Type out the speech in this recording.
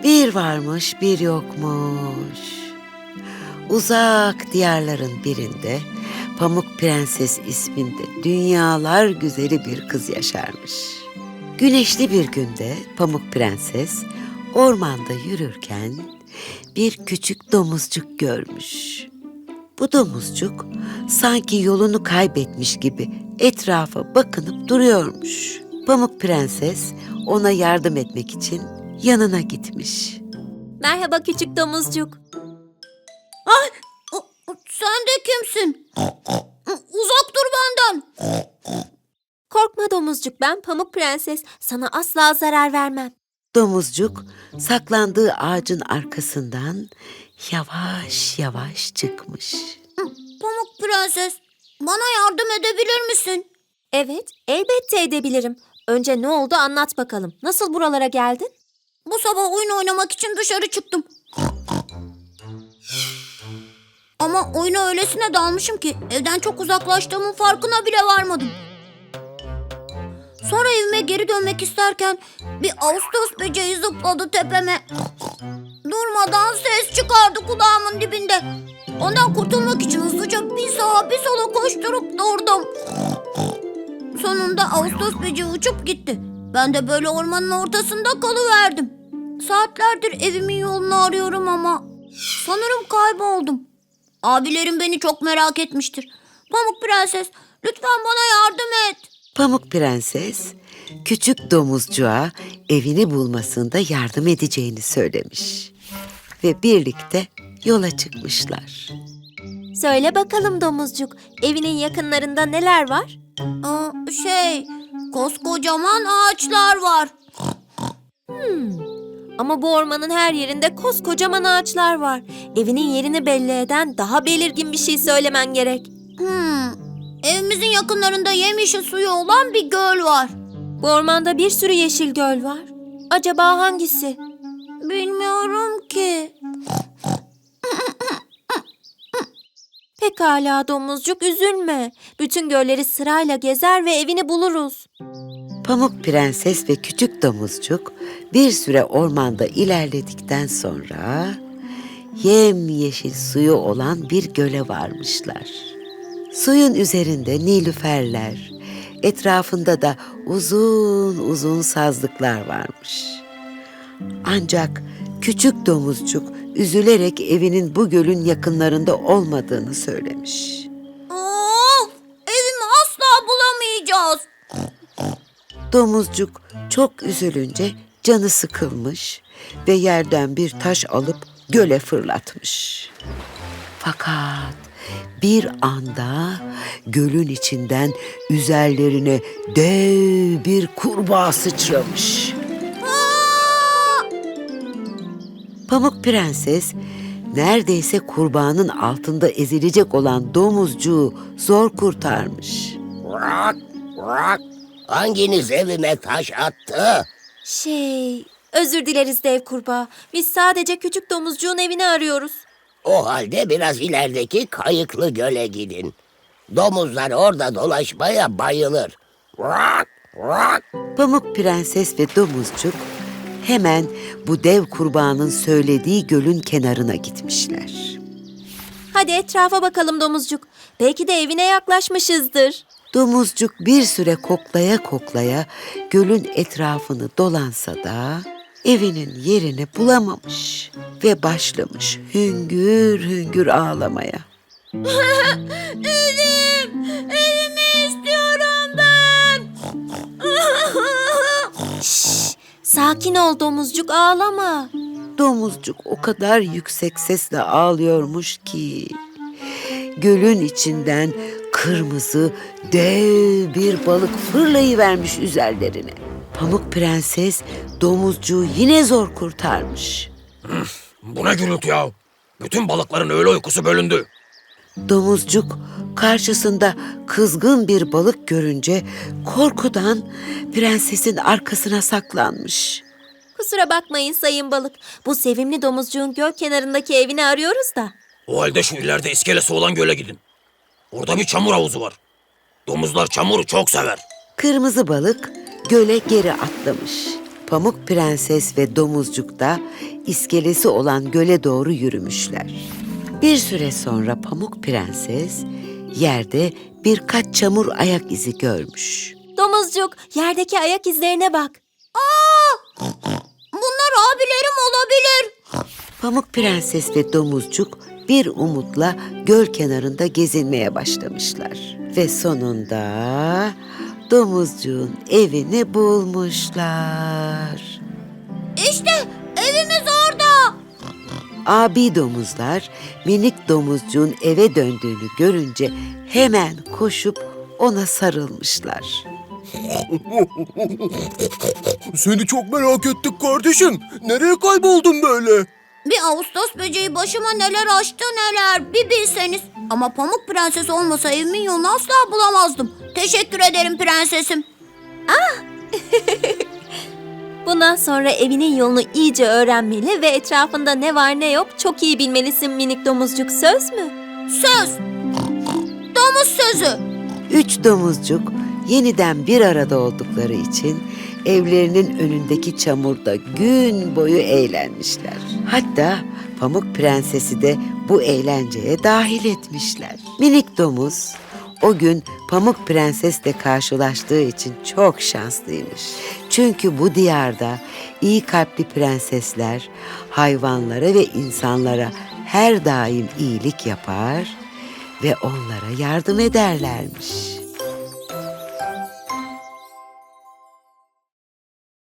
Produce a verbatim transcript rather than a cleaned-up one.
Bir varmış, bir yokmuş. Uzak diyarların birinde Pamuk Prenses isminde dünyalar güzeli bir kız yaşarmış. Güneşli bir günde Pamuk Prenses ormanda yürürken bir küçük domuzcuk görmüş. Bu domuzcuk sanki yolunu kaybetmiş gibi etrafa bakınıp duruyormuş. Pamuk Prenses ona yardım etmek için yanına gitmiş. Merhaba küçük domuzcuk. Ay, o- o- sen de kimsin? Uzak dur benden. Korkma domuzcuk, ben Pamuk Prenses. Sana asla zarar vermem. Domuzcuk saklandığı ağacın arkasından yavaş yavaş çıkmış. Pamuk Prenses, bana yardım edebilir misin? Evet, elbette edebilirim. Önce ne oldu anlat bakalım. Nasıl buralara geldin? Bu sabah oyun oynamak için dışarı çıktım. Ama oyuna öylesine dalmışım ki evden çok uzaklaştığımın farkına bile varmadım. Sonra evime geri dönmek isterken bir Ağustos böceği zıpladı tepeme. Durmadan ses çıkardı kulağımın dibinde. Ondan kurtulmak için hızlıca bir sağa bir sola koşturup durdum. Sonunda Ağustos böceği uçup gitti. Ben de böyle ormanın ortasında kalıverdim. Saatlerdir evimin yolunu arıyorum ama sanırım kayboldum. Abilerim beni çok merak etmiştir. Pamuk Prenses, lütfen bana yardım et. Pamuk Prenses küçük domuzcuğa evini bulmasında yardım edeceğini söylemiş. Ve birlikte yola çıkmışlar. Söyle bakalım domuzcuk, evinin yakınlarında neler var? Aa, şey, koskocaman ağaçlar var. Ama bu ormanın her yerinde koskocaman ağaçlar var. Evinin yerini belli eden daha belirgin bir şey söylemen gerek. Hmm, evimizin yakınlarında yemyeşil suyu olan bir göl var. Bu ormanda bir sürü yeşil göl var. Acaba hangisi? Bilmiyorum ki. Pekala domuzcuk, üzülme. Bütün gölleri sırayla gezer ve evini buluruz. Pamuk Prenses ve küçük domuzcuk bir süre ormanda ilerledikten sonra yemyeşil suyu olan bir göle varmışlar. Suyun üzerinde nilüferler, etrafında da uzun uzun sazlıklar varmış. Ancak küçük domuzcuk üzülerek evinin bu gölün yakınlarında olmadığını söylemiş. Of, evimi asla bulamayacağız. Domuzcuk çok üzülünce canı sıkılmış ve yerden bir taş alıp göle fırlatmış. Fakat bir anda gölün içinden üzerlerine dev bir kurbağa sıçramış. Aa! Pamuk Prenses neredeyse kurbağanın altında ezilecek olan domuzcuğu zor kurtarmış. Bırak, bırak. Hanginiz evime taş attı? Şey, özür dileriz dev kurbağa. Biz sadece küçük domuzcuğun evini arıyoruz. O halde biraz ilerideki Kayıklı Göl'e gidin. Domuzlar orada dolaşmaya bayılır. Bırak, bırak. Pamuk Prenses ve domuzcuk hemen bu dev kurbağanın söylediği gölün kenarına gitmişler. Hadi etrafa bakalım domuzcuk. Belki de evine yaklaşmışızdır. Domuzcuk bir süre koklaya koklaya gölün etrafını dolansa da evinin yerini bulamamış ve başlamış hüngür hüngür ağlamaya. Evim, evimi istiyorum ben. Şşş, sakin ol domuzcuk, ağlama. Domuzcuk o kadar yüksek sesle ağlıyormuş ki gölün içinden kırmızı dev bir balık fırlayıvermiş üzerlerine. Pamuk Prenses domuzcuğu yine zor kurtarmış. Bu ne gürültü ya? Bütün balıkların öğle uykusu bölündü. Domuzcuk karşısında kızgın bir balık görünce korkudan prensesin arkasına saklanmış. Kusura bakmayın sayın balık. Bu sevimli domuzcuğun göl kenarındaki evini arıyoruz da. O halde şu ileride iskelesi olan göle gidin. Orada bir çamur havuzu var. Domuzlar çamuru çok sever. Kırmızı balık göle geri atlamış. Pamuk Prenses ve Domuzcuk da iskelesi olan göle doğru yürümüşler. Bir süre sonra Pamuk Prenses yerde birkaç çamur ayak izi görmüş. Domuzcuk, yerdeki ayak izlerine bak. Bunlar abilerim olabilir. Pamuk Prenses ve Domuzcuk bir umutla göl kenarında gezinmeye başlamışlar. Ve sonunda Domuzcuğun evini bulmuşlar. İşte evimiz orada. Abi domuzlar minik domuzcuğun eve döndüğünü görünce hemen koşup ona sarılmışlar. Seni çok merak ettik kardeşim. Nereye kayboldun böyle? Bir Ağustos böceği başıma neler açtı neler bir bilseniz. Ama Pamuk Prenses olmasa evimin yolunu asla bulamazdım. Teşekkür ederim prensesim. Bundan sonra evinin yolunu iyice öğrenmeli ve etrafında ne var ne yok çok iyi bilmelisin minik domuzcuk, söz mü? Söz. Domuz sözü. Üç domuzcuk yeniden bir arada oldukları için evlerinin önündeki çamurda gün boyu eğlenmişler. Hatta Pamuk Prenses'i de bu eğlenceye dahil etmişler. Minik domuz o gün Pamuk Prenses'le karşılaştığı için çok şanslıymış. Çünkü bu diyarda iyi kalpli prensesler hayvanlara ve insanlara her daim iyilik yapar ve onlara yardım ederlermiş.